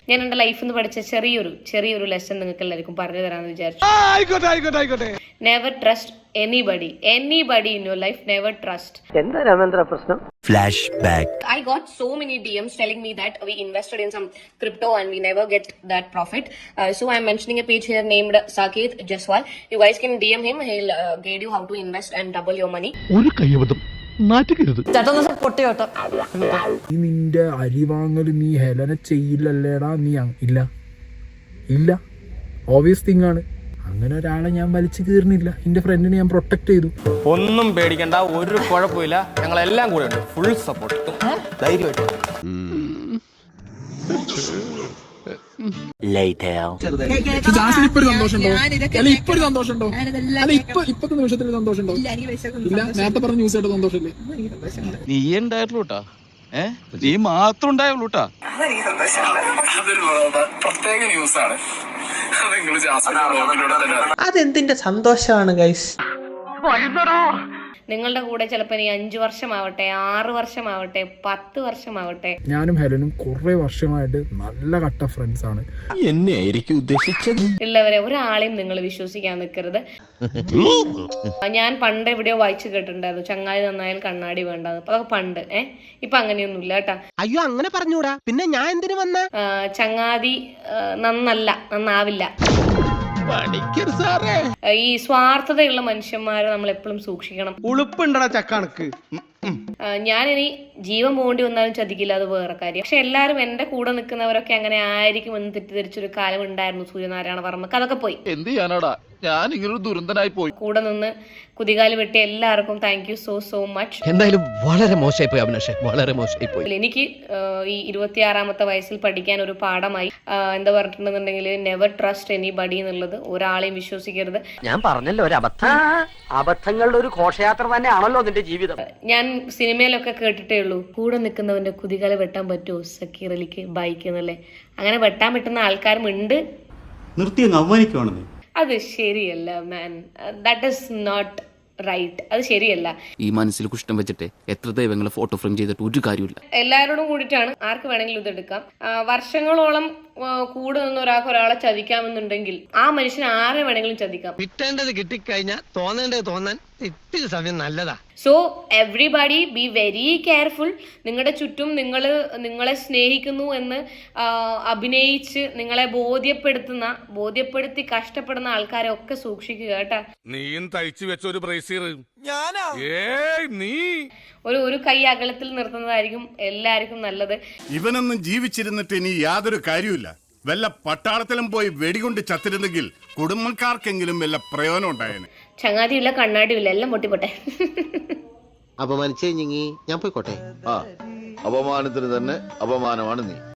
ഞാൻ എന്റെ ലൈഫിൽ നിന്ന് പഠിച്ച ചെറിയൊരു ലെസൺ നിങ്ങൾക്ക് എല്ലാവർക്കും പറഞ്ഞു തരാമെന്ന് വിചാരിച്ചു. Never trust anybody in your life. Never trust. എന്താ രാമേന്ദ്ര പ്രശ്നം? Flashback. I got so many DMs telling me that we invested in some crypto and we never get that profit. So I'm mentioning a page here named Saket Jaswal. You guys can DM him. He'll guide you how to invest and double your money. ഒരു കയ്യബദ്ധം നാറ്റുകരുത്. നിന്റെ അരി വാങ്ങൽ നീ Helena ചെയ്യില്ലല്ലേടാ. നീ ഇല്ല obvious thing ആണ്. അങ്ങനെ ഒരാളെ ഞാൻ വലിച്ചു കീറുന്നില്ല. എന്റെ ഫ്രണ്ടിനെ ഞാൻ പ്രൊട്ടക്ട് ചെയ്തു. ഒന്നും പേടിക്കണ്ട, ഒരു കുഴപ്പമില്ല, ഞങ്ങളെല്ലാം കൂടെ ഉണ്ട്, ഫുൾ സപ്പോർട്ട്, ധൈര്യമായിട്ട്. നീ ഉണ്ടായിരുന്നൂട്ടാ, നീ മാത്രം ഉണ്ടായുള്ളൂട്ടാ. പ്രത്യേക ന്യൂസാണ്. അതെന്തിന്റെ സന്തോഷമാണ് ഗൈസ്? നിങ്ങളുടെ കൂടെ ചിലപ്പോൾ 5 വർഷമാവട്ടെ, 6 വർഷമാവട്ടെ, 10 വർഷമാവട്ടെ. ഞാനും ഹെലനും കുറെ വർഷമായിട്ട് നല്ല കട്ട ഫ്രണ്ട്സ് ആണ്. എന്നെ ആയിരിക്കും ഉദ്ദേശിച്ചത്. ഉള്ളവരെ ഒരാളെയും നിങ്ങൾ വിശ്വസിക്കാൻ നിൽക്കരുത്. ഞാൻ പണ്ട് എവിടെയോ വായിച്ചു കേട്ടിട്ടുണ്ടായിരുന്നു, ചങ്ങാതി നന്നായാൽ കണ്ണാടി വേണ്ടെന്ന്. അതൊക്കെ പണ്ട്. ഇപ്പൊ അങ്ങനെയൊന്നുമില്ല കേട്ടാ. അയ്യോ, അങ്ങനെ പറഞ്ഞൂടാ. പിന്നെ ഞാൻ എന്തിനു വന്ന? ചങ്ങാതി നന്നാവില്ല. സാറേ, ഈ സ്വാർത്ഥതയുള്ള മനുഷ്യന്മാരെ നമ്മൾ എപ്പോഴും സൂക്ഷിക്കണം. ഉളുപ്പുണ്ടടാ ചക്കണക്ക്. ഞാനിനി ജീവൻ പോകേണ്ടി വന്നാലും ചതിക്കില്ല, അത് വേറെ കാര്യം. പക്ഷെ എല്ലാവരും എന്റെ കൂടെ നിൽക്കുന്നവരൊക്കെ അങ്ങനെ ആയിരിക്കും എന്ന് തെറ്റിദ്ധരിച്ചൊരു കാലം ഉണ്ടായിരുന്നു സൂര്യനാരായണ വർമ്മക്ക്. അതൊക്കെ പോയി. എന്ത് ചെയ്യാനാടാ, ഞാൻ ഇങ്ങനൊരു ദുരന്തനായി പോയി. കൂടെ നിന്ന് കുതികാല് വെട്ടി എല്ലാവർക്കും താങ്ക് യു സോ മച്ച്. എന്തായാലും വളരെ മോശമായി പോയി അഭിലാഷേ, വളരെ മോശമായി പോയി. എനിക്ക് ഈ 26-ാമത്തെ വയസ്സിൽ പഠിക്കാൻ ഒരു പാഠമായി. എന്താ പറഞ്ഞിട്ടുണ്ടെന്നുണ്ടെങ്കിൽ നെവർ ട്രസ്റ്റ് എനിബഡി എന്നുള്ളത്. ഒരാളെയും വിശ്വസിക്കരുത്. ഞാൻ പറഞ്ഞല്ലോ, ഒരു അബദ്ധങ്ങളുടെ ഒരു ഘോഷയാത്ര തന്നെയാണല്ലോ നിന്റെ ജീവിതം. ഞാൻ സിനിമയിലൊക്കെ കേട്ടിട്ടേ ഉള്ളൂ, കൂടെ നിൽക്കുന്നവന്റെ കുതികാല വെട്ടാൻ പറ്റുമോ സക്കീർ അലിക്ക് ബൈക്ക് എന്നല്ലേ. അങ്ങനെ വെട്ടാൻ പറ്റുന്ന ആൾക്കാരും ഉണ്ട്. അത് ശരിയല്ല man, that is not right. അത് ശരിയല്ല. ഈ മനസ്സിൽ കുഷ്ടം വെച്ചിട്ട് എത്ര ദൈവങ്ങളെ ഫോട്ടോ ഫ്രെയിം ചെയ്തിട്ട് ഒരു കാര്യമില്ല. എല്ലാവരോടും കൂടിയിട്ടാണ്, ആർക്ക് വേണമെങ്കിലും ഇതെടുക്കാം. വർഷങ്ങളോളം കൂടെ നിന്ന് ഒരാളെ ചതിക്കാമെന്നുണ്ടെങ്കിൽ ആ മനുഷ്യൻ ആരെ വേണമെങ്കിലും ചതിക്കാം. കിട്ടേണ്ടത് കിട്ടിക്കഴിഞ്ഞാൽ തോന്നേണ്ടത് തോന്നാൻ ഇത്തിരി സമയം നല്ലതാ. So everybody be very careful. നിങ്ങളുടെ ചുറ്റും നിങ്ങളെ സ്നേഹിക്കുന്നു എന്ന് അഭിനയിച്ച് നിങ്ങളെ ബോധ്യപ്പെടുത്തി കഷ്ടപ്പെടുന്ന ആൾക്കാരെ ഒക്കെ സൂക്ഷിക്കുക കേട്ടാ. നീയും തയ്ച്ചു വെച്ച ഒരു ബ്രേസിയർ ഒരു കൈ അകലത്തിൽ നിർത്തുന്നതായിരിക്കും എല്ലാവർക്കും നല്ലത്. ഇവനൊന്നും ജീവിച്ചിരുന്നിട്ട് ഇനി യാതൊരു കാര്യമില്ല. വല്ല പട്ടാളത്തിലും പോയി വെടികൊണ്ട് ചത്തിരുന്നെങ്കിൽ കുടുംബക്കാർക്കെങ്കിലും വല്ല പ്രയോജനം ഉണ്ടായേനെ. ചങ്ങാതിയില്ല, കണ്ണാടിയില്ല, എല്ലാം പൊട്ടിപ്പോട്ടെ. അപമാനിച്ചേ ഞാൻ പോയിക്കോട്ടെ. അപമാനത്തിന് തന്നെ അപമാനമാണ് നീ.